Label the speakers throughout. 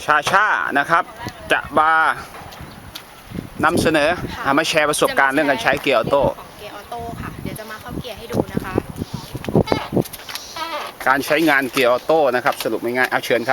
Speaker 1: ชานะครับจะมานำเสนอมาแชร์ประสบการณ์เรื่องการใช้เกียร์ออโต้
Speaker 2: ของเกียร์ออโต้ค่ะเดี๋ยวจะมาเข้าเกียร์ให้ดูนะคะ
Speaker 1: การใช้งานเกียร์ออโต้นะครับสรุปง่ายๆเอาเชิญครับ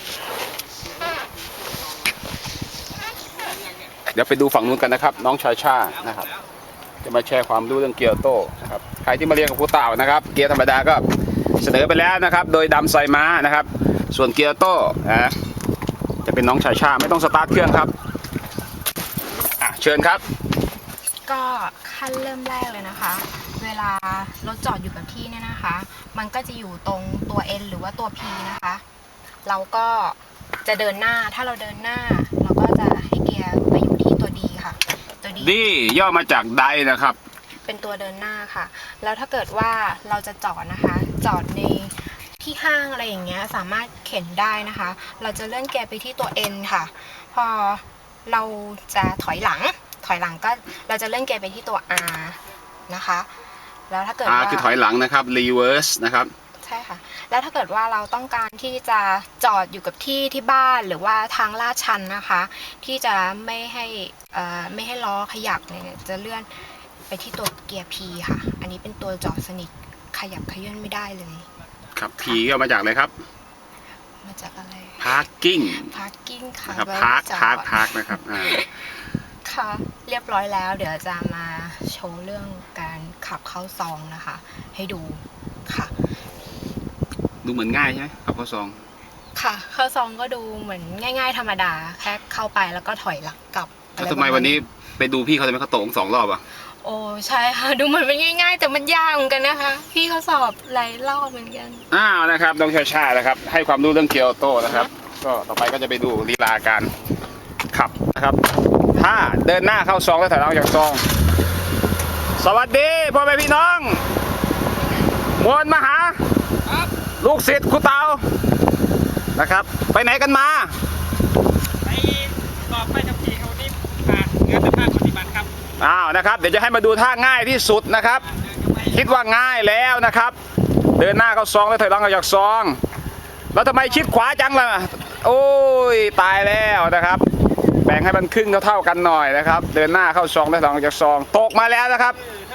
Speaker 1: เดี๋ยวไปดูฝั่งนู้นกันนะครับน้องชานะครับจะมาแชร์ความรู้เรื่องเกียร์ออโต้นะครับใครที่มาเรียนกับครูเต่านะครับเกียร์ธรรมดาก็เสนอไปแล้วนะครับโดยดำไซม้านะครับส่วนเกียร์ออโต้จะเป็นน้องชาไม่ต้องสตาร์ทเครื่องครับเชิญครับ
Speaker 2: ก็ขั้นเริ่มแรกเลยนะคะเวลารถจอดอยู่กับที่เนี่ยนะคะมันก็จะอยู่ตรงตัว N หรือว่าตัว P นะคะเราก็จะเดินหน้าถ้าเราเดินหน้าเราก็จะให้เกียร์ไปอยู่ที่ตัว D ค่ะตัว
Speaker 1: D ย่อมาจากไดนะครับ
Speaker 2: เป็นตัวเดินหน้าค่ะแล้วถ้าเกิดว่าเราจะจอดนะคะจอดในที่ห้างอะไรอย่างเงี้ยสามารถเข็นได้นะคะเราจะเลื่อนเกียร์ไปที่ตัว N ค่ะพอเราจะถอยหลังก็เราจะเลื่อนเกียร์ไปที่ตัว R นะคะแล้วถ้าเกิดว่า
Speaker 1: R คือถอยหลังนะครับ reverse นะครับ
Speaker 2: ใช่ค่ะแล้วถ้าเกิดว่าเราต้องการที่จะจอดอยู่กับที่บ้านหรือว่าทางลาดชันนะคะที่จะไม่ให้ล้อขยับเนี่ยจะเลื่อนไปที่ตัวเกียร์ P ค่ะอันนี้เป็นตัวจอดสนิทขยับขยื่นไม่ได้เลย
Speaker 1: ครับ P ก็มาจากอะไรครับ
Speaker 2: มาจากอะไร
Speaker 1: parking
Speaker 2: ค่ะ
Speaker 1: นะครับ park นะครับ
Speaker 2: ค่ะเรียบร้อยแล้วเดี๋ยวจะมาโชว์เรื่องการขับเข้าซองนะคะให้ดูค่ะ
Speaker 1: ดูเหมือนง่ายใช่ไหมขับเข้าซอง
Speaker 2: ค่ะเข้าซองก็ดูเหมือนง่ายๆธรรมดาแค่เข้าไปแล้วก็ถอยหลังกลับ
Speaker 1: ทำไมวันนี้ไปดูพี่เขาทำไมเขาตก2 รอบอ่ะ
Speaker 2: โอ้ใช่ค่ะดูเหมือนเป็นง่ายๆแต่มันยากเหมือนกันนะคะพี่เขาสอบหลายรอบเหมือนกัน
Speaker 1: นะครับน้องชานะครับให้ความรู้เรื่องเกียร์ออโต้นะครับก็ต่อไปก็จะไปดูลีลาการขับนะครับถ้าเดินหน้าเข้าซองแล้วถอยหลังจากซองสวัสดีพ่อแม่พี่น้องมวลมหาลูกศิษย์ครูเตานะครับไปไหนกันมา
Speaker 3: ไปสอบไปกับพี่เขาที่งานแต่ภาคปฏิบัติครับ
Speaker 1: นะครับเดี๋ยวจะให้มาดูท่าง่ายที่สุดนะครับคิดว่าง่ายแล้วนะครับเดินหน้าเข้าซองแล้วถอยหลังออกจากซองแล้วทำไมชิดขวาจังล่ะโอ้ยตายแล้วนะครับแบ่งให้มันครึ่งเท่ากันหน่อยนะครับเดินหน้าเข้าซองแล้วถอยหลังออกจากซองตกมาแล้วนะครับ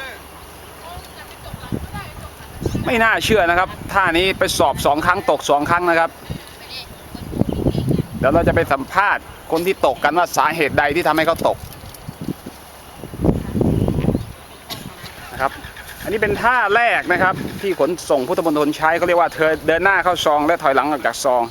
Speaker 1: ไม่น่าเชื่อนะครับท่านี้ไปสอบ2 ครั้งตก2 ครั้งนะครับเดี๋ยวเราจะไปสัมภาษณ์คนที่ตกกันว่าสาเหตุใดที่ทำให้เขาตกนะครับอันนี้เป็นท่าแรกนะครับที่ขนส่งพุทธมณฑลใช้เขาเรียกว่าเดินหน้าเข้าซองและถอยหลังออกจากซอง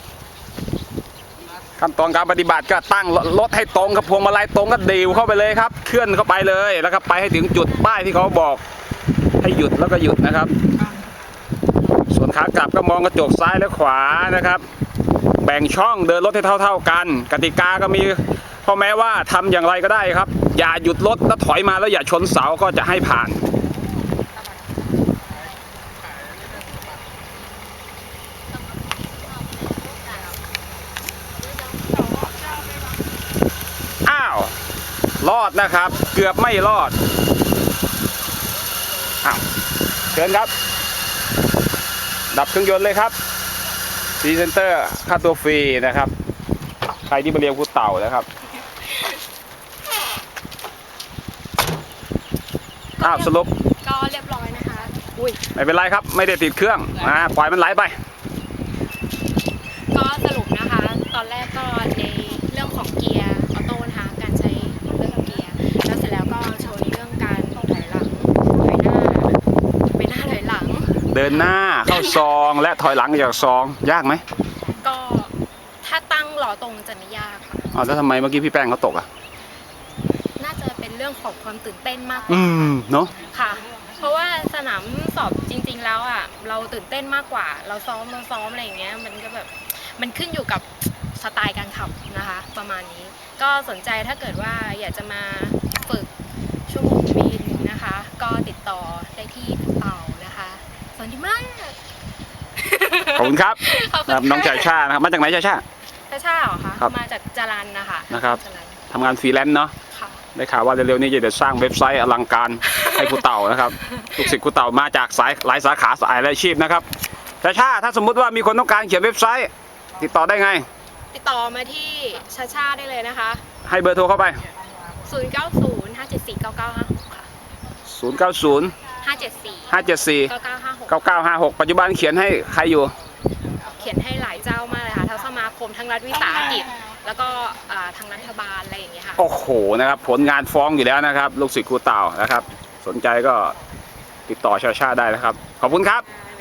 Speaker 1: ขั้นตอนการปฏิบัติก็ตั้งรถให้ตรงกับพวงมาลัยตรงก็ดีวเข้าไปเลยครับเคลื่อนเข้าไปเลยแล้วก็ไปให้ถึงจุดป้ายที่เขาบอกให้หยุดแล้วก็หยุดนะครับส่วนขากลับก็มองกระจกซ้ายและขวานะครับแบ่งช่องเดินรถให้เท่ากันกติกาก็มีข้อแม้ว่าทำอย่างไรก็ได้ครับอย่าหยุดรถแล้วถอยมาแล้วอย่าชนเสาก็จะให้ผ่านรอดนะครับเกือบไม่รอดเชิญครับดับเครื่องยนต์เลยครับพรีเซนเตอร์ค่าตัวฟรีนะครับใครที่มาเรียนครูเต่านะครับสรุป
Speaker 2: ก็เรียบร้อยนะคะ
Speaker 1: ไม่เป็นไรครับไม่ได้ติดเครื่องปล่อยมันไหลไป
Speaker 2: ก็สรุปนะคะตอนแรกก็ในเรื่องของเกียร์ออโต้นะคะการใช้เรื่องเกียร์แล้วเสร็จแล้วก็โชว์ในเรื่องการถอยหลังถอยหน้าไปหน้าถอยหลัง
Speaker 1: เดินหน้าเข้าซองและถอยหลังจากซองยากไหม
Speaker 2: ก็ถ้าตั้งหล่อตรงจะไม่ยากค่ะ
Speaker 1: แล้วทำไมเมื่อกี้พี่แป้งเขาตก
Speaker 2: น่าจะเป็นเรื่องของความตื่นเต้นมากกว่า
Speaker 1: เนาะ
Speaker 2: ค่ะเพราะว่าสนามสอบจริงๆแล้วเราตื่นเต้นมากกว่าเราซ้อมอะไรอย่างเงี้ยมันก็แบบมันขึ้นอยู่กับสไตล์การขับนะคะประมาณนี้ก็สนใจถ้าเกิดว่าอยากจะมาฝึกชั่วโมงบินนะคะก็ติดต่อได้ที่เต่านะคะสวัสดีมาก
Speaker 1: ขอบคุณครับน้องชานะครับมาจากไหนชา
Speaker 2: เหรอคะมาจากจรัญนะคะ
Speaker 1: นะครับทำงานฟรีแลนซ์เนาะได้ข่าวว่าเร็วๆนี้จะสร้างเว็บไซต์อลังการให้ครูเต่านะครับลูกศิษย์ครูเต่ามาจากหลายสาขาหลายอาชีพนะครับชาถ้าสมมุติว่ามีคนต้องการเขียนเว็บไซต์ติดต่อได้ไง
Speaker 2: ติดต่อมาที่ชาชาได้เลยนะคะ
Speaker 1: ให้เบอร์โทรเข้าไป
Speaker 2: 0905749956 ค่ะ
Speaker 1: 090
Speaker 2: 574
Speaker 1: 574
Speaker 2: 9956
Speaker 1: 9956 ปัจจุบันเขียนให้ใครอยู่
Speaker 2: เขียนให้หลายเจ้ามากเลยค่ะทั้งสมาคมทั้งรัฐวิสาหกิจ แล้วก็ทางรัฐบาลอะไรอย่างเงี้ยค่ะ
Speaker 1: โอ้โหนะครับผลงานฟ้องอยู่แล้วนะครับ ลูกศิษย์ครูเต่านะครับ สนใจก็ติดต่อชาชาได้นะครับ ขอบคุณครับ
Speaker 2: ค่ะ